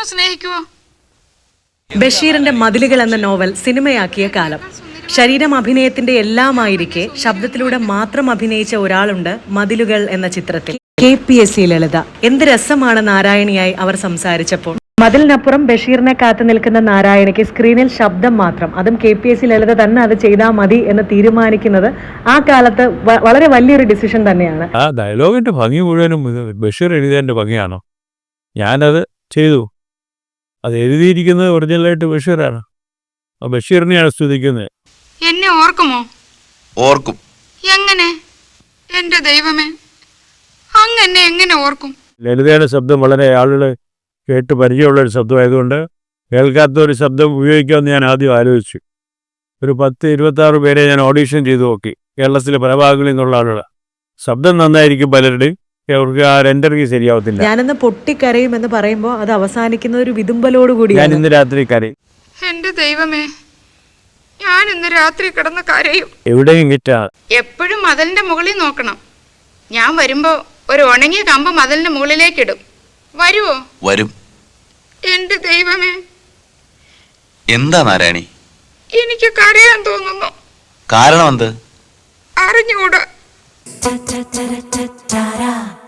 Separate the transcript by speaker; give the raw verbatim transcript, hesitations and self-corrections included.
Speaker 1: മാത്രം സ്നേഹിക്കുവോ?
Speaker 2: ബഷീറിന്റെ മതിലുകൾ എന്ന നോവൽ സിനിമയാക്കിയ കാലം. ശരീരം അഭിനയത്തിന്റെ എല്ലാമായിരിക്കെ ശബ്ദത്തിലൂടെ മാത്രം അഭിനയിച്ച ഒരാളുണ്ട് മതിലുകൾ എന്ന ചിത്രത്തിൽ. K P S C Lalitha. എന്ത് രസമാണ് നാരായണിയായി അവർ സംസാരിച്ചപ്പോൾ. മതിലിനപ്പുറം ബഷീറിനെ കാത്തു നിൽക്കുന്ന നാരായണിക്ക് സ്ക്രീനിൽ ശബ്ദം മാത്രം, അതും K P S C Lalitha തന്നെ അത് ചെയ്താൽ മതി എന്ന് തീരുമാനിക്കുന്നത് ആ കാലത്ത് വളരെ വലിയൊരു ഡിസിഷൻ തന്നെയാണ്.
Speaker 3: ആ ഡയലോഗിന്റെ ഭംഗി മുഴുവനും ബഷീർ എഴുതിയതിന്റെ ഭംഗിയാണോ? ഞാനത് ചെയ്തു. അത് എഴുതിയിരിക്കുന്നത് ഒറിജിനലായിട്ട് ബഷീറാണ്. ബഷീറിനെയാണ് സ്തുതിക്കുന്നത്.
Speaker 1: എന്നെ ഓർക്കുമോ?
Speaker 4: ഓർക്കും.
Speaker 1: എങ്ങനെ? എന്റെ ദൈവമേ, അങ്ങനെ എങ്ങനെ ഓർക്കും?
Speaker 3: ലളിതയുടെ ശബ്ദം വളരെ ആളുകൾ കേട്ട് പരിചയമുള്ളൊരു ശബ്ദമായതുകൊണ്ട് കേൾക്കാത്ത ഒരു ശബ്ദം ഉപയോഗിക്കാമെന്ന് ഞാൻ ആദ്യം ആലോചിച്ചു. ഒരു പത്ത് ഇരുപത്താറ് പേരെ ഞാൻ ഓഡീഷൻ ചെയ്തു നോക്കി. കേരളത്തിലെ പല ഭാഗങ്ങളിൽ നിന്നുള്ള ആളുകൾ. ശബ്ദം നന്നായിരിക്കും പലരുടെയും, അവർക്ക് ആ രണ്ടരയ്ക്ക് ശരിയാവത്തില്ല.
Speaker 2: ഞാനിന്ന് പൊട്ടിക്കരയും എന്ന് പറയുമ്പോൾ അത് അവസാനിക്കുന്ന ഒരു വിതുമ്പലോട് കൂടി.
Speaker 3: ഞാൻ ഇന്ന് രാത്രി കരയും.
Speaker 1: എന്റെ ദൈവമേ, ഞാൻ ഇന്ന് രാത്രി കിടന്ന് കരയും.
Speaker 3: എവിടെയും കിട്ടാ.
Speaker 1: എപ്പോഴും മതിലിന്റെ മുകളിൽ നോക്കണം. ഞാൻ വരുമ്പോ ഒരു ഉണങ്ങിയ കമ്പ് മതിലിന്റെ മുകളിലേക്ക് ഇടും. വരുവോ?
Speaker 4: വരും.
Speaker 1: എന്റെ ദൈവമേ,
Speaker 4: എന്താ നാരായണി?
Speaker 1: എനിക്ക് കരയാൻ തോന്നുന്നു.
Speaker 4: കാരണം എന്ത്?
Speaker 1: അറിഞ്ഞുകൂടാ.